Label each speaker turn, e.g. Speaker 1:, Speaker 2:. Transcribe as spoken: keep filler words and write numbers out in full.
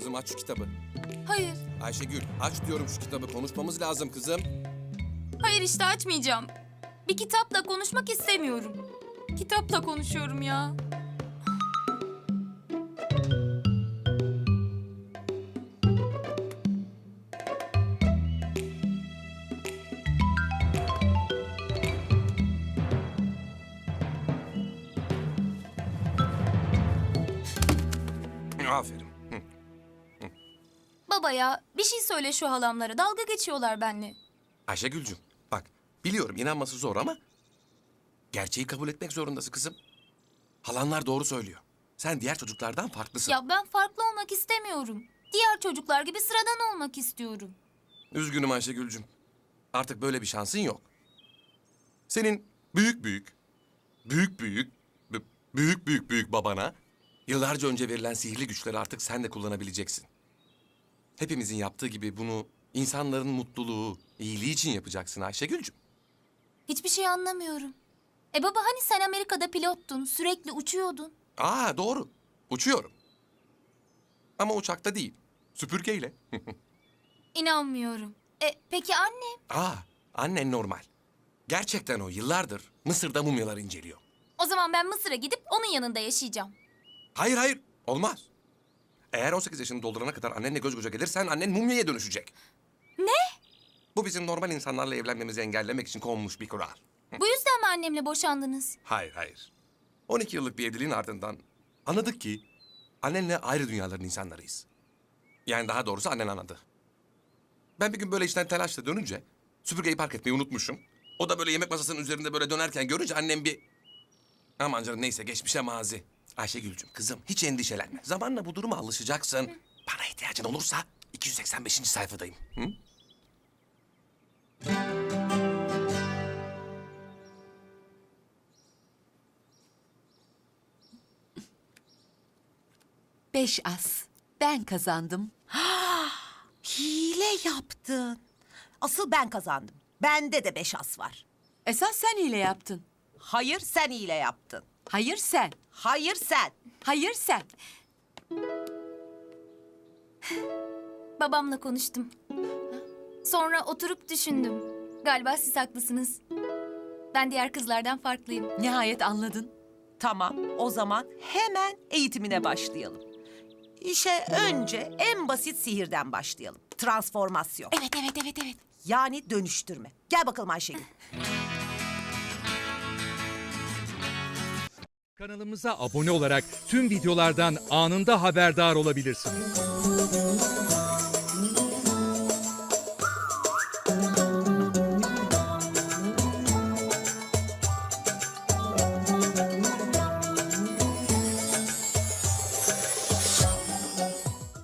Speaker 1: kızım, aç şu kitabı.
Speaker 2: Hayır.
Speaker 1: Ayşegül, aç diyorum şu kitabı. Konuşmamız lazım kızım.
Speaker 2: Hayır işte açmayacağım. Bir kitapla konuşmak istemiyorum. Kitapla konuşuyorum ya.
Speaker 1: Aferin. Hı.
Speaker 2: Baba ya bir şey söyle şu halamlara. Dalga geçiyorlar benimle.
Speaker 1: Ayşegül'cüm, bak biliyorum inanması zor ama... gerçeği kabul etmek zorundasın kızım. Halanlar doğru söylüyor. Sen diğer çocuklardan farklısın.
Speaker 2: Ya ben farklı olmak istemiyorum. Diğer çocuklar gibi sıradan olmak istiyorum.
Speaker 1: Üzgünüm Ayşegül'cüm. Artık böyle bir şansın yok. Senin büyük büyük, büyük büyük, b- büyük büyük büyük babana... yıllarca önce verilen sihirli güçleri artık sen de kullanabileceksin. Hepimizin yaptığı gibi bunu insanların mutluluğu, iyiliği için yapacaksın Ayşegül'cüm.
Speaker 2: Hiçbir şey anlamıyorum. E baba hani sen Amerika'da pilottun, sürekli uçuyordun.
Speaker 1: Aa doğru, uçuyorum. Ama uçakta değil, süpürgeyle.
Speaker 2: İnanmıyorum. E peki annem?
Speaker 1: Aa, annen normal. Gerçekten o yıllardır Mısır'da mumyalar inceliyor.
Speaker 2: O zaman ben Mısır'a gidip onun yanında yaşayacağım.
Speaker 1: Hayır hayır, olmaz. Eğer on sekiz yaşını doldurana kadar annenle göz göze gelirsen annen mumyaya dönüşecek.
Speaker 2: Ne?
Speaker 1: Bu bizim normal insanlarla evlenmemizi engellemek için konmuş bir kural.
Speaker 2: Bu yüzden mi annemle boşandınız?
Speaker 1: Hayır hayır. on iki yıllık bir evliliğin ardından anladık ki annenle ayrı dünyaların insanlarıyız. Yani daha doğrusu annen anladı. Ben bir gün böyle işten telaşla dönünce süpürgeyi park etmeyi unutmuşum. O da böyle yemek masasının üzerinde böyle dönerken görünce annem bir... Aman canım neyse geçmişe mazi. Ayşegül'cüm kızım hiç endişelenme. Zamanla bu duruma alışacaksın. Bana ihtiyacın olursa iki yüz seksen beşinci sayfadayım. Hı?
Speaker 3: Beş as. Ben kazandım.
Speaker 4: Hile yaptın. Asıl ben kazandım. Bende de beş as var.
Speaker 3: Esas sen hile yaptın.
Speaker 4: Hayır sen hile yaptın.
Speaker 3: Hayır sen.
Speaker 4: Hayır sen.
Speaker 3: Hayır sen.
Speaker 2: Babamla konuştum. Sonra oturup düşündüm. Galiba siz haklısınız. Ben diğer kızlardan farklıyım.
Speaker 3: Nihayet anladın.
Speaker 4: Tamam o zaman hemen eğitimine başlayalım. İşe önce en basit sihirden başlayalım. Transformasyon.
Speaker 2: Evet, evet, evet, evet.
Speaker 4: Yani dönüştürme. Gel bakalım Ayşegül.
Speaker 5: Kanalımıza abone olarak tüm videolardan anında haberdar olabilirsiniz.